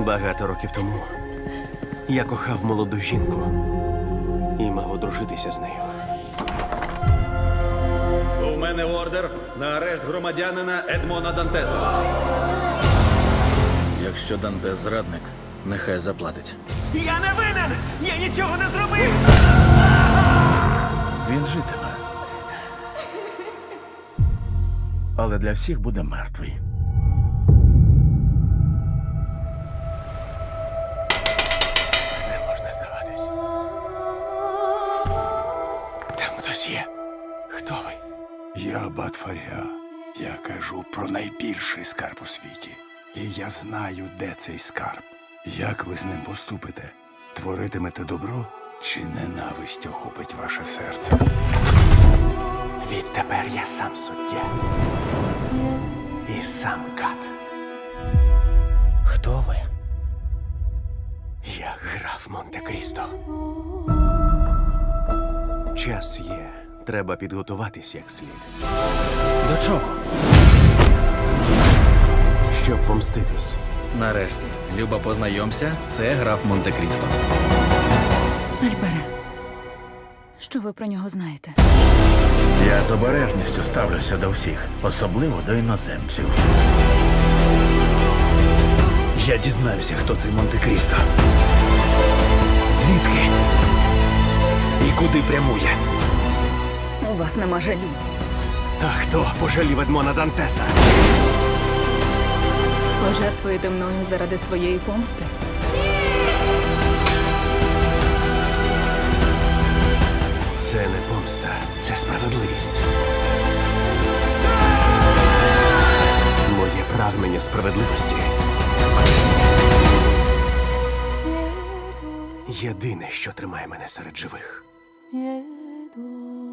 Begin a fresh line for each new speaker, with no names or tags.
Багато років тому я кохав молоду жінку і мав одружитися з нею.
У мене ордер на арешт громадянина Едмона Дантеса. Якщо Дантес зрадник, нехай заплатить.
Я не винен! Я нічого не зробив!
Він житиме. Але для всіх буде мертвий.
Не можна здаватись. Там хтось є. Хто ви?
Я Батфаря. Я кажу про найбільший скарб у світі. І я знаю, де цей скарб. Як ви з ним поступите? Творитимете добро чи ненависть охопить ваше серце?
Відтепер я сам суддя. І сам кат. Хто ви? Я граф Монте-Крісто. Час є. Треба підготуватись як слід.
До чого?
Щоб помститись.
Нарешті, Люба, познайомся, це граф Монте-Крісто.
Альбере, що ви про нього знаєте?
Я з обережністю ставлюся до всіх, особливо до іноземців.
Я дізнаюся, хто цей Монте-Крісто. Звідки? І куди прямує?
У вас нема жалю.
А хто пожалів Едмона Дантеса?
Пожертвуєте мною заради своєї помсти?
Це не помста, це справедливість. Моє прагнення справедливості єдине, що тримає мене серед живих.
Jedu.